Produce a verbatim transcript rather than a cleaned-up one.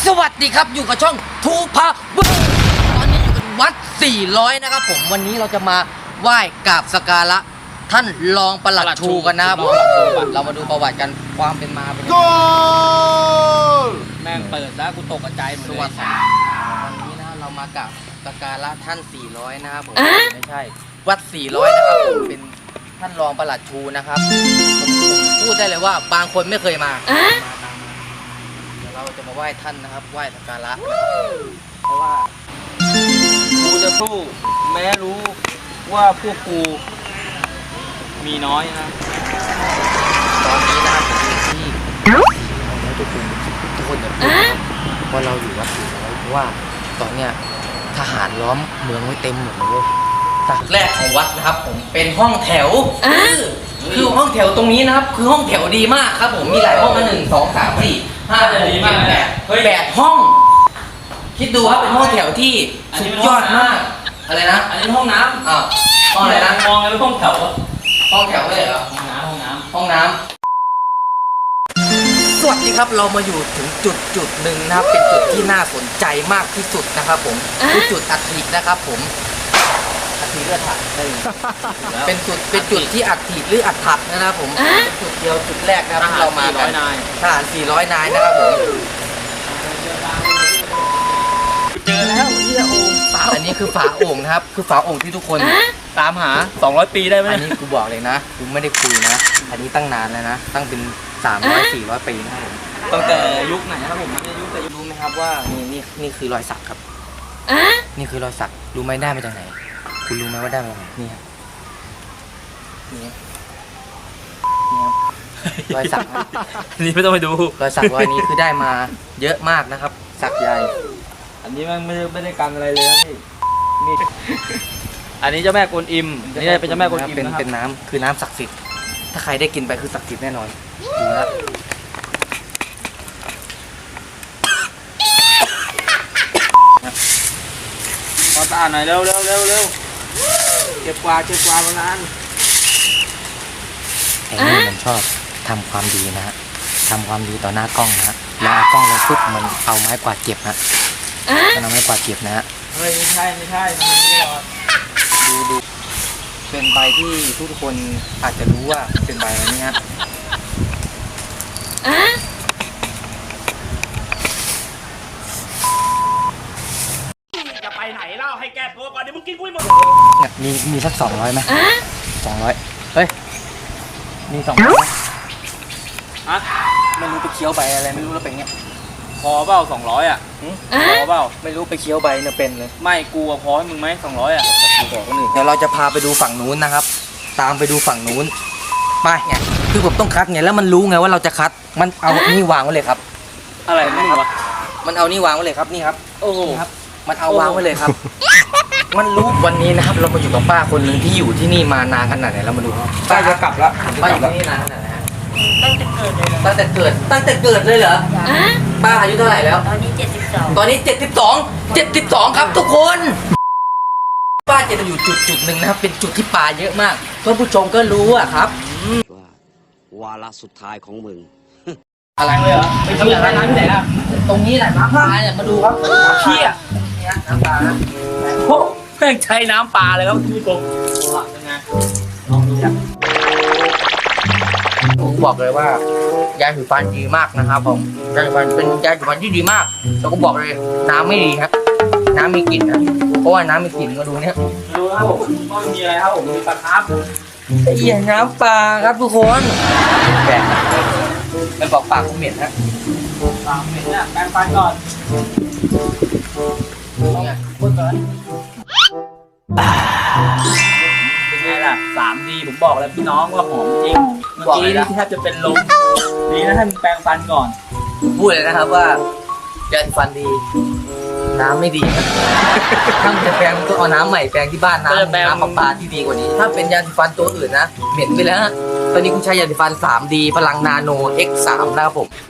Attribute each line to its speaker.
Speaker 1: สวัสดีครับอยู่กับช่องทูพาเบอร์ตอนนี้อยู่กันวัดสี่ร้อยนะครับผมวันนี้เราจะมาไหว้กราบสักการะท่านรองปลัดชูกันนะครับผมเรามาดูประวัติกันความเป็นมาเป็นยังไง
Speaker 2: แม่งเปิดแล้วกูตกใจหมดเลย
Speaker 1: วันนี้นะเรามากราบสักการะท่านสี่ร้อยนะครับผมไม่ใช่วัดสี่ร้อยนะครับผมเป็นท่านรองปลัดชูนะครับผมพูดได้เลยว่าบางคนไม่เคยมาเราจะมาไหว้ท่านนะครับไหว้สักการะเพราะว่า
Speaker 2: กูจะสู้แม้รู้ว่าพวกกูมีน้อยนะ
Speaker 1: ตอนนี้นะครับผมอยู่ที่ทุกคนทุกคนอย่าพูดว่าเราอยู่วัดสี่ร้อยเพราะว่าตอนเนี้ยทหารล้อมเมืองไว้เต็มหมดเลยแรกของวัดนะครับผมเป็นห้องแถวคือห้องแถวตรงนี้นะครับคือห้องแถวดีมากครับผมมีหลายห้องนะหนึ่งสองสามสี่ห้าหกเจ็ดแปดแปดห้อง คิดดูครับเป็นห้องแถวที่สุดยอดมากอะไรนะ
Speaker 2: อันนี้ห้องน้ำ
Speaker 1: อ้าวห้องอะไรนะ
Speaker 2: มองอะไรห้องแถว
Speaker 1: ห้องแถวเลยเหรอ
Speaker 2: ห้องน้ำห้องน้ำ
Speaker 1: ห้องน้ำสวัสดีครับเรามาอยู่ถึงจุดจุดหนึ่งนะครับเป็นจุดที่น่าสนใจมากที่สุดนะครับผมคือจุดอัฐินะครับผมอัฐิเลือดถักเป็นจุดเป็นจุดที่อัฐิหรืออัฐักนะครับผมเป็นจุดเดียวจุดแรกนะครับที่เรามากันทหารสี่ร้อยนายนะครับผม
Speaker 2: เจอแล้วเฮียโอ่งฝา
Speaker 1: อันนี้คือฝาโอ่งนะครับคือฝาโอ่งที่ทุกคน
Speaker 2: ตามหาสองร้อยปีได้ไหม
Speaker 1: อันนี้กูบอกเลยนะกูไม่ได้คุยนะอันนี้ตั้งนานแล้วนะตั้งเป็นสามร้อยสี่ร้อยปีนะครับผม
Speaker 2: ตั้งแต่ยุคไหนครับผมยุคแต่
Speaker 1: รู้ไหมครับว่านี่นี่นี่คือรอยสักครับนี่คือรอยสักรู้ไหมได้มาจากไหนคุณรู้ไหมว่าได้มาจากไหนนี่ครับนี่รอยสัก
Speaker 2: นี่ไม่ต้องไปดู
Speaker 1: รอยสักรอยนี้คือได้มาเยอะมากนะครับสักใหญ่
Speaker 2: อันนี้มันไม่ได้ไม่ได้กันอะไรเลยนะนี่นี่อันนี้เจ้าแม่กวนอิมอันนี้เป็นเจ้าแม่กวนอิม
Speaker 1: เป็นเป็นน้ำคือน้ำศักดิ์สิทธิ์ถ้าใครได้กินไปคือศักดิ์สิทธิ์แน่นอนดูนะ
Speaker 2: ขอตาหน่อยเร็วเร็วเร็วเร็วเก็บกวาดเก็บกวาดมานาน
Speaker 1: ไอ้นี่มันชอบทำความดีนะฮะทำความดีต่อหน้ากล้องนะฮะแล้วเอากล้องแล้วปุ๊บมันเอาไม้กวาดเก็บฮะมันเอาไม้กวาดเก็บนะฮะ
Speaker 2: เฮ้ยไม่ใช่ไม่ใช่มันไม่หรอก
Speaker 1: ดูดูเป็นใบที่ทุกคนอาจจะรู้ว่าเป็นใบอะไรนี่ฮะ
Speaker 2: จะไปไหนเล่าให้แกตัวก่อนเดี๋ยวมึงกินกุ้ยหมด
Speaker 1: มีมีสักสองร้อยไหมสองร้อยเฮ้ยมีสองร้อย
Speaker 2: อะ
Speaker 1: ไม่รู้ไปเคี้ยวใบอะไรไม่รู้แล้วเป็นเงี้ย
Speaker 2: พอเปล่าสองร้อยอ่ะพอเปล่า
Speaker 1: ไม่รู้ไปเคี้ยวใบเนี่ยเป็นเลย
Speaker 2: ไม่กูพอให้มึงไหมสองร้อยอ่ะ
Speaker 1: เดี๋ยวเราจะพาไปดูฝั่งนู้นนะครับตามไปดูฝั่งนู้นไปไงคือผมต้องคัดไงแล้วมันรู้ไงว่าเราจะคัดมันเอานี่วางไว้เลยครับ
Speaker 2: อะไรไม่รู้วะ
Speaker 1: มันเอานี่วางไว้เลยครับนี่ครับ
Speaker 2: โอ้โห
Speaker 1: ครับมันเอาวางไว้เลยครับมันรู้วันนี้นะครับเรามาอยู่กับป้าคนหนึ่งที่อยู่ที่นี่มานานขนาดไหนเรามาดู
Speaker 2: ป้าจะกลับแล้ว
Speaker 1: ป้าอยู่ที่นี่นานขนาดไหนตั้งแต่เกิดเลยตั้งแต่เกิดตั้งแต่เกิดเลยเหรอป้าอายุเท่าไหร่แล้ว
Speaker 3: ตอนนี้เจ็ดสิบสอง
Speaker 1: ตอนนี้เจ็ดสิบสองเจ็ดสิบสองครับทุกคนป้าจะอยู่จุดจุดหนึ่งนะครับเป็นจุดที่ปลาเยอะมากเพื่อนผู้ชมก็รู้อะครับ
Speaker 4: วาระสุดท้ายของมึง
Speaker 1: อะไรเลยเหรอไปเชื่อร้านที่ไหนล่ะตรงนี้แหละน้ำปลาเนี่ยมาดูครับ
Speaker 2: เชี่ย
Speaker 1: น้ำปลา
Speaker 2: โอ้แม่งใช้น้ำปลาเลยครับคุณผู้ชมเป็นไงลองดูจ้ะ
Speaker 1: ผมบอกเลยว่ายาสีฟันดีมากนะครับผมยาสีฟันเป็นยาสีฟันที่ดีมากแต่ก็บอกเลยน้ำไม่ดีครับน้ำมีกลิ่นนะเพราะว่าน้ำมีกลิ่นมาดูเนี้ย
Speaker 2: ดูครับผมก็มีอะไรครับผมมีปลาคาร์ฟ
Speaker 1: ไอ้เหี้ยน้ำปลาครับทุกคนแบกมันบอกปากผมเหม็นฮะ
Speaker 2: ปากเหม็นเนี่ยแปรงฟันก่อนพูดก่อนเป็นไงล่ะ สาม ดี ผมบอกแล้วพี่น้องว่าหอมจริงเมื่อกี้นี่แทบจะเป็นลมดีนะท่านแปรงฟันก่อน
Speaker 1: พูดเลยนะครับว่ายาสีฟันดีน้ำไม่ดีถ้าจะแปรงก็เอาน้ำใหม่แปรงที่บ้านน้ำน้ำประปาที่ดีกว่านี้ถ้าเป็นยาสีฟันตัวอื่นนะเหม็นไปแล้วตอนนี้กูใช้ยาสีฟัน สาม ดี พลังนาโน เอ็กซ์ สาม นะครับผม